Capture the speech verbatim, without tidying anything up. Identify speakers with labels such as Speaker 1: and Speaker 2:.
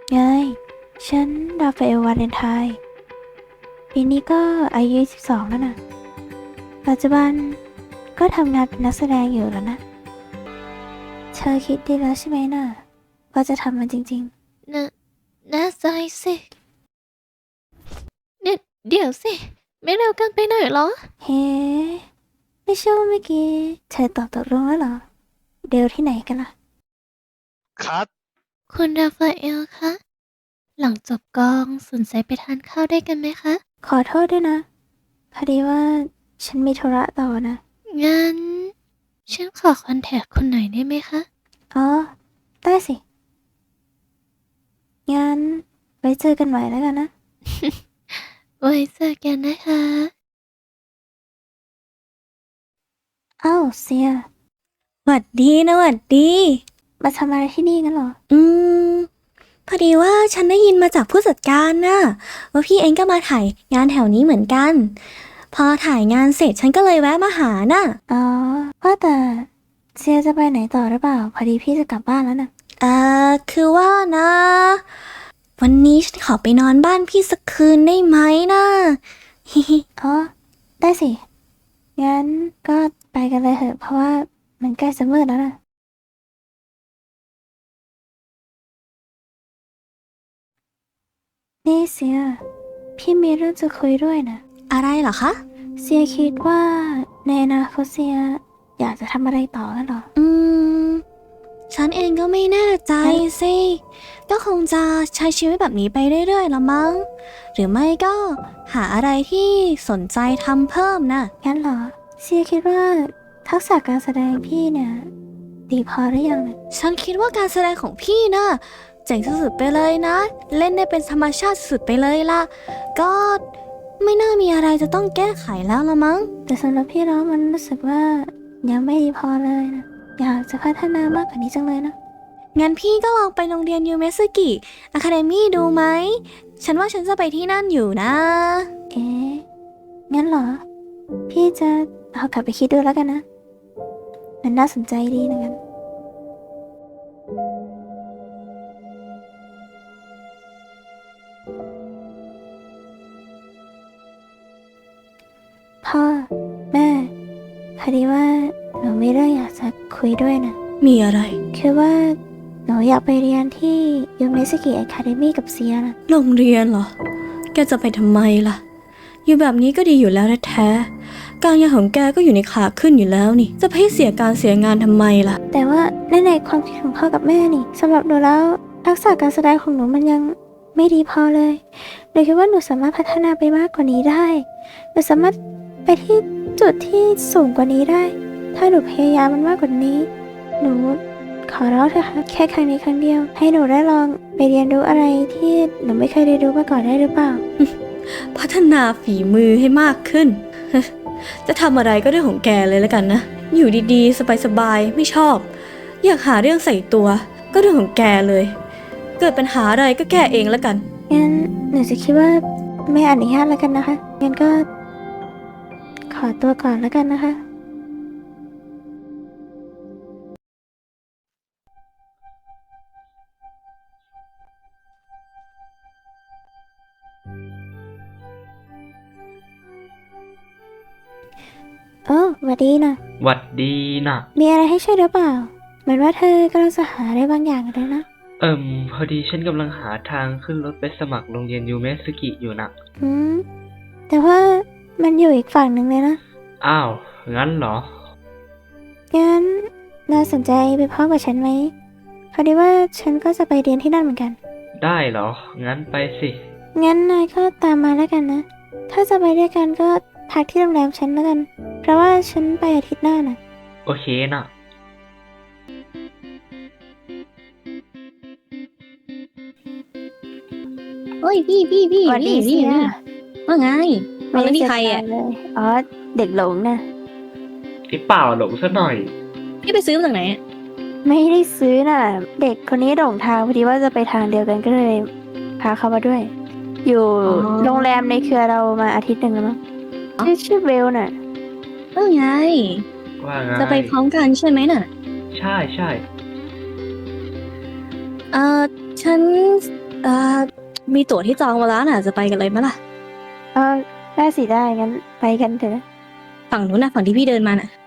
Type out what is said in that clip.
Speaker 1: ไงฉันราฟาเอลวาเลนไทน์ปีนี้ก็อายุสิบสองแล้วนะปัจจุบันก็ทำงานเป็นนักแสดงอยู่แล้วนะเธอคิดดีแล้วใช่ไหมน่ะว่าจะทำมันจริง
Speaker 2: นะแน่ใจสิเดี๋ยวเดี๋ยวสิ ไม่เร็วเกินไปหน่อยเหรอ
Speaker 1: ๆเฮ้ไม่ใช่ว่าเมื่อกี้เธอตอบตกลงแล้วเหรอเดลที่ไหนกันล่ะ
Speaker 3: คัด
Speaker 2: คุณราฟาเอลคะ หลังจบกองสนใจไปทานข้าวด้วยกันไหมคะ
Speaker 1: ขอโทษด้วยนะพอดีว่าฉันมีธุระต่อนะ
Speaker 2: งั้น ฉันขอคอนแทคคุณหน่อยได้ไหมคะ
Speaker 1: อ๋อได้สิงั้นไว้เจอกันใหม่แล้วกันนะ
Speaker 2: ไว้เจอกันนะคะ
Speaker 1: อ้าวเซีย
Speaker 4: หวัดดีนะหวัดดี
Speaker 1: มาทำอะไรที่นี่กันเหรอ
Speaker 4: อืม พอดีว่าฉันได้ยินมาจากผู้จัดการน่ะว่าพี่เองก็มาถ่ายงานแถวนี้เหมือนกัน พอถ่ายงานเสร็จฉันก็เลยแวะมาหาน่ะ
Speaker 1: อ๋อว่าแต่เซียจะไปไหนต่อหรือเปล่าพอดีพี่จะกลับบ้านแล้วนะ
Speaker 4: เอ่อ คือว่านะ วันนี้ฉันขอไปนอนบ้านพี่สักคืนได้ไหมนะ ฮิฮิ
Speaker 1: อ๋อได้สิงั้นก็ไปกันเลยเถอะเพราะว่ามันใกล้จะมืดแล้วนะนี่เซียพี่มีเรื่องจะคุยด้วยนะ
Speaker 4: อะไรเหรอคะ
Speaker 1: เซียคิดว่าในอนาคตเซียอยากจะทำอะไรต่อกันเหรอ
Speaker 4: อืม ฉันเองก็ไม่แน่ใจสิ ก็คงจะใช้ชีวิตแบบนี้ไปเรื่อยๆละมั้ง หรือไม่ก็หาอะไรที่สนใจทำเพิ่มนะ
Speaker 1: งั้นเหรอเซียคิดว่าทักษะการแสดงพี่เนี่ยดีพอหรือยังนะ
Speaker 4: ฉันคิดว่าการแสดงของพี่นะเจ๋งสุดๆไปเลยนะ เล่นได้เป็นธรรมชาติสุดๆไปเลยล่ะ ก็ไม่น่ามีอะไรจะต้องแก้ไขแล้วละมั้ง
Speaker 1: แต่สำหรับพี่แล้วมันรู้สึกว่ายังไม่ดีพอเลยนะอยากจะพัฒนามากกว่านี้จังเลยนะ
Speaker 4: งั้นพี่ก็ลองไปโรงเรียนยูเมสึกิอะคาเดมี่ดูไหม ฉันว่าฉันจะไปที่นั่นอยู่นะ
Speaker 1: เอ๊ะงั้นเหรอ พี่จะเอากลับไปคิดดูแล้วกันนะ มันน่าสนใจดีนะงั้นพ่อ แม่พอดีว่าหนูมีเรื่องอยากจะคุยด้วยนะ
Speaker 4: มีอะไร
Speaker 1: คือว่าหนูอยากไปเรียนที่ยูเมสกิอะคาเดมี่กับเซียนะ
Speaker 4: โรงเรียนเหรอ แกจะไปทำไมล่ะ อยู่แบบนี้ก็ดีอยู่แล้วแท้ๆการงานของแกก็อยู่ในขาขึ้นอยู่แล้วนี่ จะไปให้เสียการเสียงานทำไมล่ะ
Speaker 1: แต่ว่าในในความคิดของพ่อกับแม่นี่สำหรับหนูแล้วทักษะการแสดงของหนูมันยังไม่ดีพอเลยหนูคิดว่าหนูสามารถพัฒนาไปมากกว่านี้ได้หนูสามารถไปที่จุดที่สูงกว่านี้ได้ ถ้าหนูพยายามมันมากกว่านี้ หนูขอร้องเถอะค่ะแค่ครั้งนี้ครั้งเดียว ให้หนูได้ลองไปเรียนรู้อะไรที่หนูไม่เคยเรียนรู้มาก่อนได้หรือเปล่า
Speaker 4: พัฒนาฝีมือให้มากขึ้น จะทำอะไรก็เรื่องของแกเลยแล้วกันนะ อยู่ดีๆ สบายๆ ไม่ชอบ อยากหาเรื่องใส่ตัว ก็เรื่องของแกเลย เกิดปัญหาอะไรก็แก้เองแล้วกัน
Speaker 1: งั้นหนูจะคิดว่าไม่อนุญาตแล้วกันนะคะ งั้นก็ ขอตัวก่อนแล้วกันนะคะ โอ้หวัดดีนะ
Speaker 3: หวัดดีนะ
Speaker 1: มีอะไรให้ช่วยหรือเปล่า เหมือนว่าเธอกำลังจะหาอะไรบางอย่างเลยนะ
Speaker 3: เอิ่มพอดีฉันกำลังหาทางขึ้นรถไปสมัครโรงเรียนยูเมสกิอยู่นะ
Speaker 1: อืม แต่ว่ามันอยู่อีกฝั่งหนึ่งเลยนะ
Speaker 3: อ้าว งั้นเหรอ
Speaker 1: งั้นน่าสนใจไปพร้อมกับฉันไหม พอดีว่าฉันก็จะไปเรียนที่นั่นเหมือนกัน
Speaker 3: ได้เหรอ งั้นไปสิ
Speaker 1: งั้นนายก็ตามมาแล้วกันนะ ถ้าจะไปด้วยกันก็พักที่โรงแรมฉันแล้วกัน เพราะว่าฉันไปอาทิตย์หน้าน่ะ
Speaker 3: โอเคนะ
Speaker 4: เฮ้ยพี่พี่พี่
Speaker 1: สวัสดี
Speaker 4: นี่
Speaker 1: เสีย
Speaker 4: นี่ว่าไงเอาแล้วนี่ใครอ่ะ
Speaker 1: ไม่ได้เจอกันเลย อ๋อ เด็กหลงนะ
Speaker 3: ไอ้เปล่าหลงซะหน่อย
Speaker 4: พี่ไปซื้อมาจากไหนอะ
Speaker 1: ไม่ได้ซื้อน่ะ เด็กคนนี้หลงทางพอดีว่าจะไปทางเดียวกันก็เลยพาเขามาด้วย อยู่โรงแรมในเครือเรามาอาทิตย์หนึ่งแล้วมั้งชื่อชื่อเบลน่ะ
Speaker 4: เออไง
Speaker 3: ว่าไง
Speaker 4: จะไปพร้อมกันใช่ไหมน่ะ
Speaker 3: ใช่ใช่
Speaker 4: เอ่อ ฉันเอ่อมีตั๋วที่จองมาแล้วน่ะจะไปกันเลยไหมล่ะ
Speaker 1: เออได้สิได้งั้นไปกันเถอะ
Speaker 4: ฝั่งนู้นน่ะฝั่งที่พี่เดินมาน่ะ